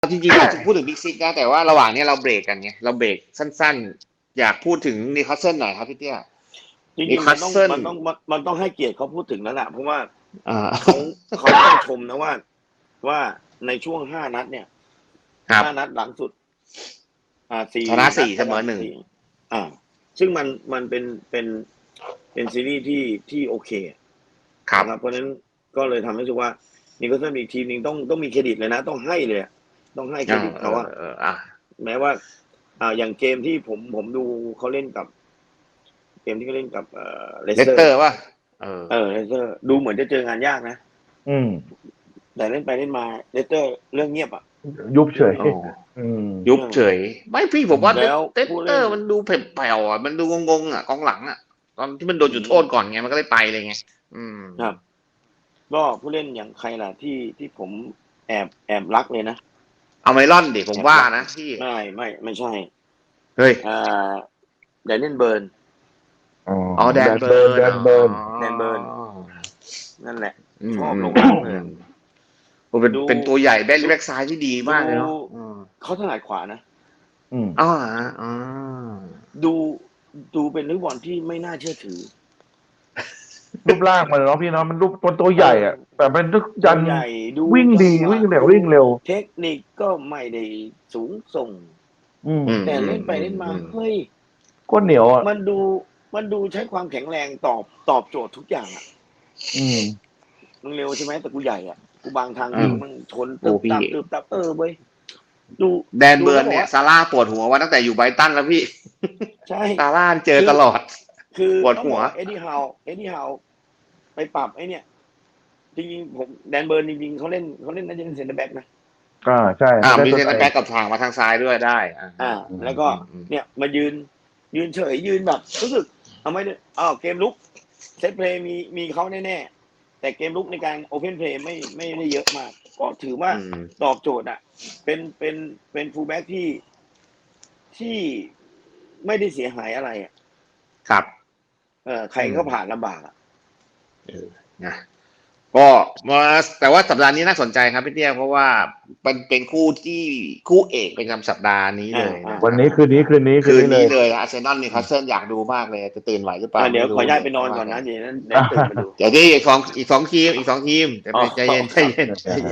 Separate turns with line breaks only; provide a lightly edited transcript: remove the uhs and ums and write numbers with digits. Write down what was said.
จริงๆอยากจะพูดถึงบิ๊กซิกนะแต่ว่าระหว่างนี้เราเบรกกันไงเราเบรกสั้นๆอยากพูดถึงนิวคาสเซิลหน่อยครับพี่เตี้ย
จริ
นิว
งๆ
คาสเซิล
มันต้องให้เกียรติเขาพูดถึงแล้วแหละเพราะว่า
อ่า
เขาต้องชมนะว่าในช่วง5 นัดเนี่ย
ครับ
5 นัดหลังสุด
ชนะ
4 นัด
4เสมอ 1
ซึ่งมันเป็นซีรีส์ที่โอเค
ครับ
นะครับเพราะฉะนั้นก็เลยทำให้รู้สึกว่านี่ก็ต้องมีทีมนึงต้องมีเครดิตเลยนะต้องให้เลยต้องให้เครดิตเขาแม้ว่าอย่างเกมที่ผมดูเขาเล่นกับเกมที่เขาเล่นกับเลส
เลส
เต
เต
อ
อ
ร์
ร์ป่ะ
เลสเตอร์ดูเหมือนจะเจองานยากนะแต่เล่นไปเล่นมาเลสเตอร์เรื่องเงียบ
ยุบเฉย
ยุบเฉยไม่พี่ผมว่าเล
แล้ว
สเตอร์มันดูแผ่วๆอ่ะมันดูงงๆอ่ะกองหลังอ่ะตอนที่มันโดนจุดโทษก่อนไงมันก็เลยไปเลยไง
ครับก็ผู้เล่นอย่างใครล่ะที่ผมแอบรักเลยนะ
เอาไมลอนดิผมว่านะพี่
ไม่ใช่
เฮ้ย
แดนเนียลเบิร์น
แดนเบิร์น
นั่นแหละชอบลงมากเลย
เป็นตัวใหญ่แบ็คซ้ายที่ดีมากเลยเนาะ
เขาถนัดขวานะดูเป็นนักบอลที่ไม่น่าเชื่อถือ
รูปร่างมันเนาะพี่เนาะมันรูปตัวใหญ่อ่ะแต่เป็นทุกยันวิ่งดีวิ่งเร็ว
เทคนิคก็ไม่ได้สูงส่งแต่เล่นไปเล่นมาเฮ้ย
ก็เหนียวอ่ะ
มันดูใช้ความแข็งแรงตอบโจทย์ทุกอย่างอ่ะมึงเร็วใช่ไหมแต่กูใหญ่อ่ะกูบางทางมึงชนตึบตับเว้ยดู
แดนเบิร์นเนี่ยซาร่าปวดหัวว่าตั้งแต่อยู่ไบรตันแล้วพี่
ใช่
ซาร่าเจอตลอด
คือ
ปวดหัว
เอ็ดดี้ฮาวไปปรับไอ้เนี่ยจริงๆผมแดนเบิร์นจริงๆเขาเล่นน่าจะเป็นเซ็นเตอร์แบ็กนะ
ใช่
มีเซ็นเตอร์แบ็กกับทางมาทางซ้ายด้วยได้
แล้วก็เนี่ยมายืนเฉยยืนแบบรู้สึกไม่ได้เกมลุกเซตเพลย์มีเขาแน่ๆแต่เกมลุกในการโอเพนเพลย์ไม่ได้เยอะมากก็ถือว่าตอบโจทย์อ่ะเป็นฟูลแบ็กที่ไม่ได้เสียหายอะไรอ่ะ
ครับ
ใครก็ผ่านลำบากอ่ะ
นะก็แต่ว่าสัปดาห์นี้น่าสนใจครับพี่เตี้ยเพราะว่าเป็นคู่เอกประจำสัปดาห์นี้เลย
วันนี้คืนนี้
เลยอาร์เซนอลนิวคาสเซิลอยากดูมากเลยจะตื่นไหวหรือเปล่า
เดี๋ยวขอย้ายไปนอนก่อนนะเดี๋ยวนั้นตื่นมาดู
เดี๋ยวที่อีกสองทีมจะใจเย็น